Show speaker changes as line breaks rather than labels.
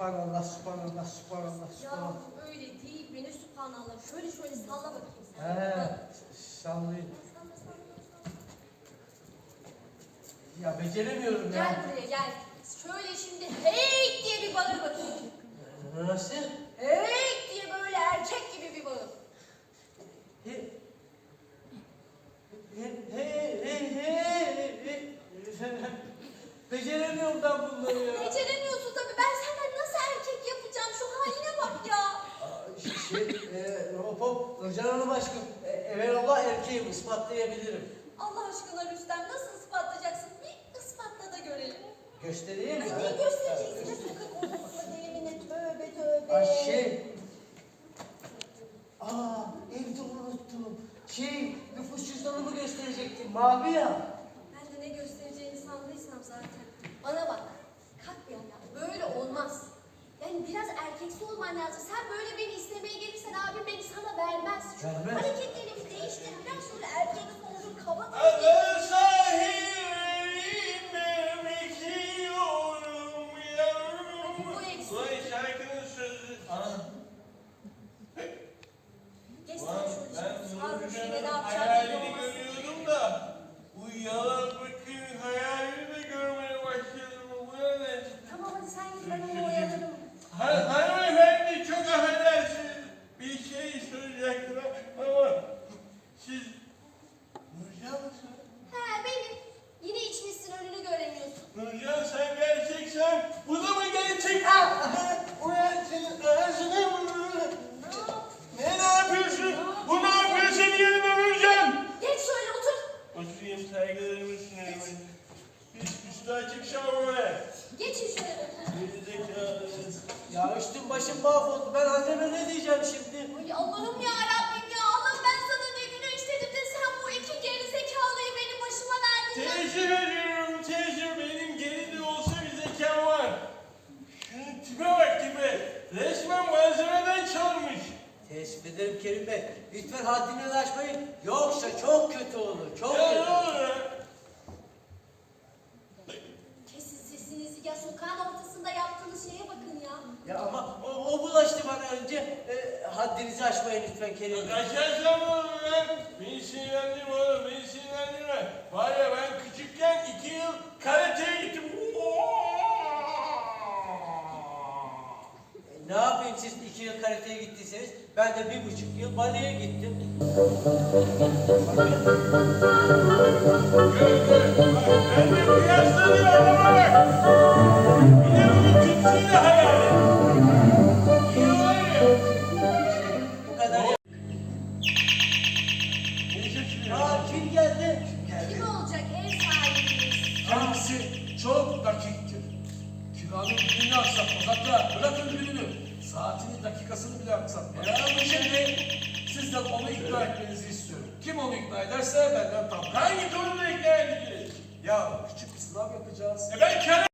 Subhanallah, subhanallah, subhanallah,
Ya
subhanallah.
öyle değil beni subhanallah. Şöyle salla bakayım sen.
Sallayın.
Salla salla salla.
Ya beceremiyorum
Gel
ya.
buraya gel. Şöyle şimdi hey diye bir bağır bakayım.
Nasıl?
Hey diye böyle erkek gibi bir bağır.
He, he. Beceremiyorum ben bunları ya.
Beceremiyorsun tabii. Ben senden nasıl erkek yapacağım? Şu haline bak ya.
Hop hop, Nurcan Hanım aşkım. Evelallah erkeğim, ispatlayabilirim.
Allah aşkına Rüstem nasıl ispatlayacaksın? Bir ispatla da görelim.
Göstereyim
Ay
mi?
niye göstereceksin? Ne sokak ortasında delimine tövbe tövbe.
Evde unuttum. Nüfus cüzdanımı gösterecektim, mavi ya.
Ben de ne göstereceğini sandıysam zaten. Bana bak. Kalk bir ayağa. Böyle olmaz. Yani biraz erkeksi olman lazım. Sen böyle beni istemeye gelirsen abim beni sana vermez.
Vermez.
Hareketlerimi değiştir. Biraz şöyle erkeksi olur. Kaba
Adı sahibim bekliyorum yavrum.
Bu eksik.
Vay şarkının sözü.
Geç sen
Ulan
şöyle.
ben
Sarhoş yine ne
Nurcan'ın
yapacağını
hayalini
belli olmaz.
görüyordum da bu yalan bakın hayalini de görmeye başladım. Bu ne?
Tamam hadi sen git ben onu oyalarım.
Hanımefendi çok affedersiniz. Bir şey soracaktım ama siz Nurcan mısınız?
He benim. Yine içmişsin önünü göremiyorsun.
Nurcan sen gerçeksen bu da mı gerçek? Ulan senin ağzını mı? Ne yapıyorsun? Bu ne yapıyor senin yerine Nurcan?
Geç şöyle otur.
Oturayım saygılarımı sunayım. Üstü açık şavre.
Geçin şöyle.
Gerizekalı.
Ya üstüm başım mahvoldu. Ben anneme ne diyeceğim şimdi?
Ay Allah'ım ya Rabbim ya. Allah ben sana ne günah işledim de sen bu iki gerizekalıyı benim başıma verdin ya.
Teessüf ediyorum, teessüf. Benim geri de olsa bir zekam var. Şunun tipe bak tipe. Resmen malzemeden çalmış.
Teessüf ederim Kerim Bey. Lütfen haddini aşmayın. Yoksa çok kötü olur. Çok
Ya ne
kötü.
olur ya?
Kesin sesinizi ya sokağın ortasında yaptığınız şeye bakın ya.
Ya ama o bulaştı bana önce. Haddinizi aşmayın lütfen Kerim Bey.
Kaçarsam olur lan. Beni sinirlendirme oğlum, beni sinirlendirme. Var ya ben küçükken 2 yıl karateye gittim.
Ne yapayım siz 2 yıl karateye gittiyseniz ben de 1,5 yıl baleye gittim.
Gör gör. Bak ben de kıyaslanıyor adama bak. Bir de bunun tütsüyle hayal et. İyi var ya.
Bu kadar ya.
Ne şaşırıyorsun?
Kim geldi?
Kim olacak ev sahibiniz?
Kendisi çok dakiktir. Kiranın gününü aksatmaz. Hatta bırakın gününü, saatini, dakikasını bile aksatmaz. Şimdi sizden onu ikna etmenizi istiyorum. Kim onu ikna ederse benden tam.
Hangi konuda ikna edeceğiz?
Ya küçük bir sınav yapacağız.
Ben kara